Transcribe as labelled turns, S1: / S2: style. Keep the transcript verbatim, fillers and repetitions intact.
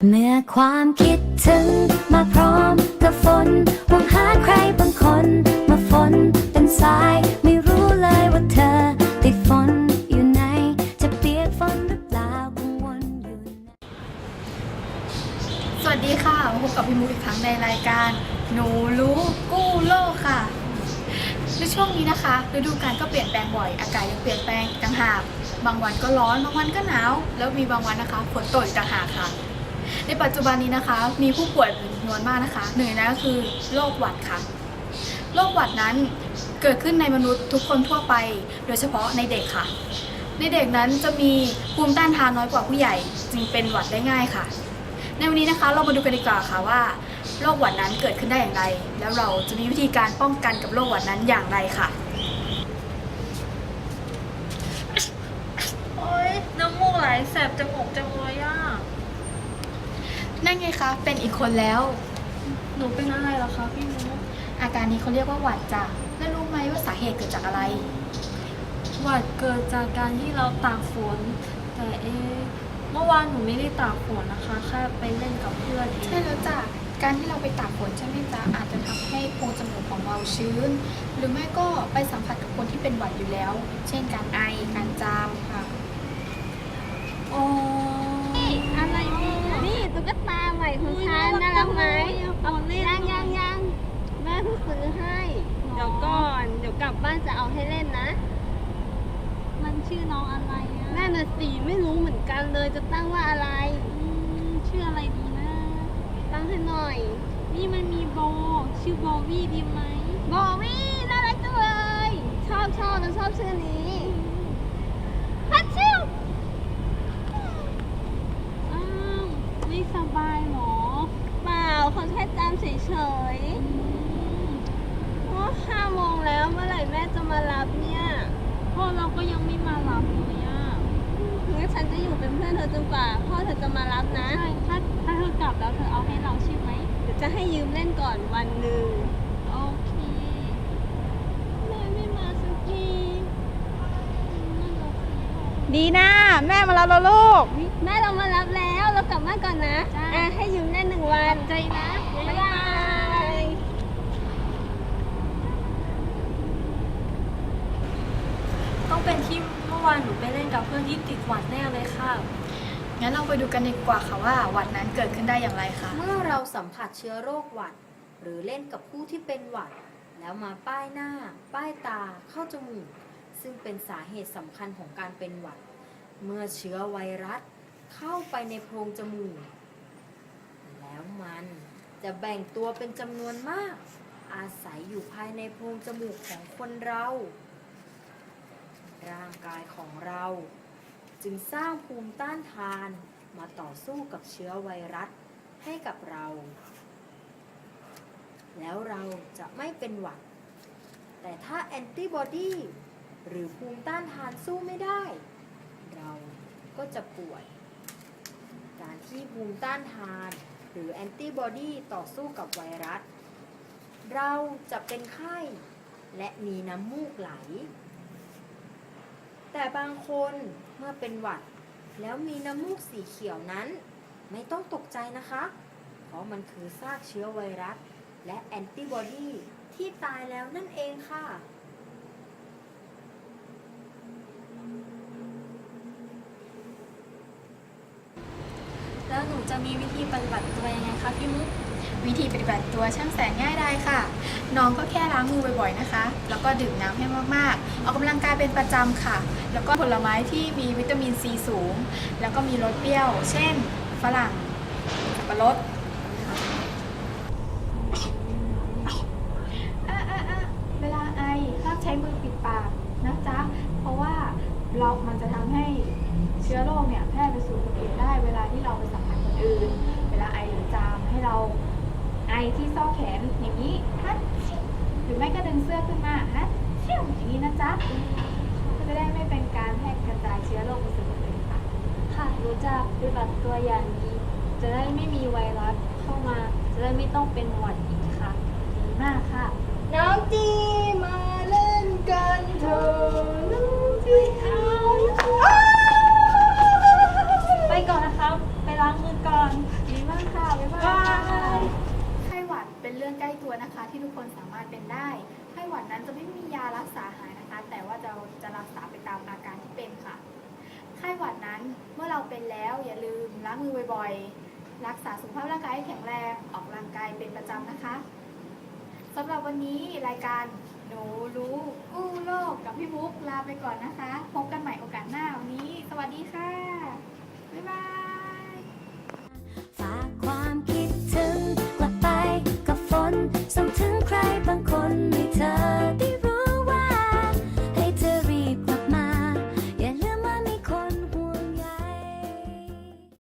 S1: เมื่อความคิดถึงมาพร้อมกับฝนหวังหาใครบางคนมาฝนเป็นสายไม่รู้เลยว่าเธอติดฝนอยู่ไหนจะเปียกฝนหรือเปล่ากังวลอยู่
S2: สวัสดีค่ะพบกับพี่มุกอีกครั้งในรายการหนูรู้กู้โลกค่ะในช่วงนี้นะคะฤดูกาลก็เปลี่ยนแปลงบ่อยอากาศยังเปลี่ยนแปลงต่างหากบางวันก็ร้อนบางวันก็หนาวแล้วมีบางวันนะคะฝนตกต่างหากค่ะในปัจจุบันนี้นะคะมีผู้ป่วยเป็นจำนวนมากนะคะหนึ่งในนั้นก็คือโรคหวัดค่ะโรคหวัดนั้นเกิดขึ้นในมนุษย์ทุกคนทั่วไปโดยเฉพาะในเด็กค่ะในเด็กนั้นจะมีภูมิต้านทานน้อยกว่าผู้ใหญ่จึงเป็นหวัดได้ง่ายค่ะในวันนี้นะคะเรามาดูกันดีกว่าค่ะว่าโรคหวัดนั้นเกิดขึ้นได้อย่างไรแล้วเราจะมีวิธีการป้องกันกับโรคหวัดนั้นอย่างไรค่ะ
S3: โอ๊ยน้ำมูกไหลแสบจมูกจังเลยอ่ะ
S2: นั่นไงคะเป็นอีกคนแล้ว
S3: หนูเป็นอะไรเหรอคะพี่มุก
S2: อาการนี้เขาเรียกว่าหวัดจ้ะแล้วรู้ไหมว่าสาเหตุเกิดจากอะไร
S3: หวัดเกิดจากการที่เราตากฝนแต่เอ๊ะเมื่อวานหนูไม่ได้ตากฝนนะคะแค่ไปเล่นกับเพื่อนเอง
S2: ใช่แล้วจ้ะการที่เราไปตากฝนใช่ไหมจ๊ะอาจจะทำให้โพรงจมูกของเราชื้นหรือไม่ก็ไปสัมผัสกับคนที่เป็นหวัดอยู่แล้วเช่นการไอการจามค่ะ
S3: อ๋อ
S4: อะไรเนี่ยนี่ตุ๊กตาใหม่ของฉันน่ารักไหมยังยังยังแม่เพิ่งซื้อให้เดี๋ยวก่อนเดี๋ยวกลับบ้านจะเอาให้เล่นนะ
S3: มันชื่อน้องอะไรอ่ะ
S4: นั่นน่ะสิไม่รู้เหมือนกันเลยจะตั้งว่าอะไร
S3: ชื่ออะไรดีนะ
S4: ตั้งให้หน่อย
S3: นี่มันมีโบชื่อโบวี่ดีไหม
S4: โบวี่น่ารักจังเลยชอบชอบฉันชอบชื่อนี้ฮัทชิว
S3: อ้าวไม่สบายหรอ
S4: เปล่าเขาแค่จำเฉยๆว่าห้าโมงแล้วเมื่อไหร่แม่จะมารับเนี่ย
S3: พ่อเราก็ยังไม่มารับเลยอ่ะ
S4: งั้นฉันจะอยู่เป็นเพื่อนเธอจนกว่าพ่อเธอจะมารับนะ
S3: ใช่ถ้าถ้าเธอกลับแล้วเธอเอาให้เราใช่ไหม
S4: เดี๋ยวจะให้ยืมเล่นก่อนวันหนึ่ง
S3: โอเค
S4: แม่ไม่มาสักที
S5: ดีนะแม่มารับแล้วลูก
S4: แม่เรามารับแล้วเรากลับบ้านก่อนนะอ่ะให้ยืมเล่นหนึ่งวัน
S3: ใจนะ
S4: บ๊ายบาย
S3: ต้องเป็นที่เมื่อวานหนูไปเล่นกับเพื่อนที่ติดหวัดแน่เลยค่ะ
S2: งั้นเราไปดูกันดีกว่าค่ะว่าหวัดนั้นเกิดขึ้นได้อย่างไรคะ
S6: เมื่อเราสัมผัสเชื้อโรคหวัดหรือเล่นกับผู้ที่เป็นหวัดแล้วมาป้ายหน้าป้ายตาเข้าจมูกซึ่งเป็นสาเหตุสำคัญของการเป็นหวัดเมื่อเชื้อไวรัสเข้าไปในโพรงจมูกแล้วมันจะแบ่งตัวเป็นจำนวนมากอาศัยอยู่ภายในโพรงจมูกของคนเราร่างกายของเราจึงสร้างภูมิต้านทานมาต่อสู้กับเชื้อไวรัสให้กับเราแล้วเราจะไม่เป็นหวัดแต่ถ้าแอนติบอดีหรือภูมิต้านทานสู้ไม่ได้เราก็จะป่วยการที่ภูมิต้านทานหรือแอนติบอดีต่อสู้กับไวรัสเราจะเป็นไข้และมีน้ำมูกไหลแต่บางคนเมื่อเป็นหวัดแล้วมีน้ำมูกสีเขียวนั้นไม่ต้องตกใจนะคะเพราะมันคือซากเชื้อไวรัสและแอนติบอดีที่ตายแล้วนั่นเองค่ะ
S3: แล้วหนูจะมีวิธีปฏิบัติตัวยังไงคะพี่มุก
S2: วิธีปฏิบัติตัวช่างแสนง่ายได้ค่ะน้องก็แค่ล้างมือบ่อยๆนะคะแล้วก็ดื่มน้ำให้มากๆออกกำลังกายเป็นประจำค่ะแล้วก็ผลไม้ที่มีวิตามินซีสูงแล้วก็มีรสเปรี้ยวเช่นฝรั่งสับปะรดอ่ะอ่ะอ่ะเวลาไอห้ามใช้มือปิดปากนะจ๊ะเพราะว่าเรามันจะทำให้เชื้อโรคเนี่ยแพร่ไปสู่คนอื่นได้เวลาที่เราไปสัมผัสคนอื่นเวลาไอหรือจามให้เราไอที่ซอกแขนอย่างนี้ฮัทหรือไม่ก็ดึงเสื้อขึ้นมาฮัทเชี่ยวอย่างนี้นะจ๊ะก็จะได้ไม่เป็นการแพร่กระจายเชื้อโรคไปสู่คนอื่นค่ะ
S3: ค่ะรู้จักปฏิบัติตัวอย่างนี้จะได้ไม่มีไวรัสเข้ามาจะได้ไม่ต้องเป็นหวัดอีกค่ะ
S2: ดีมากค่ะ
S4: น้องจีมาเล่นกันเถอะน้องจีเอา
S3: ไปก่อนนะครับไป
S5: ล้างมือก่อนดีมากค่ะบ๊ายบาย
S2: ไข้หวัดเป็นเรื่องใกล้ตัวนะคะ ที่ทุกคนสามารถเป็นได้ไข้หวัดนั้นจะไม่มียารักษาหายนะคะ แต่ว่าจะจะรักษาไปตามอาการที่เป็นค่ะไข้หวัดนั้นเมื่อเราเป็นแล้วอย่าลืมล้างมือบ่อยๆรักษาสุขภาพร่างกายให้แข็งแรงออกกำลังกายเป็นประจำนะคะสำหรับวันนี้รายการหนูรู้กู้โลกกับพี่บุ๊กลาไปก่อนนะคะพบกันใหม่โอกาสหน้าวันนี้สวัสดีค่ะบ๊ายบาย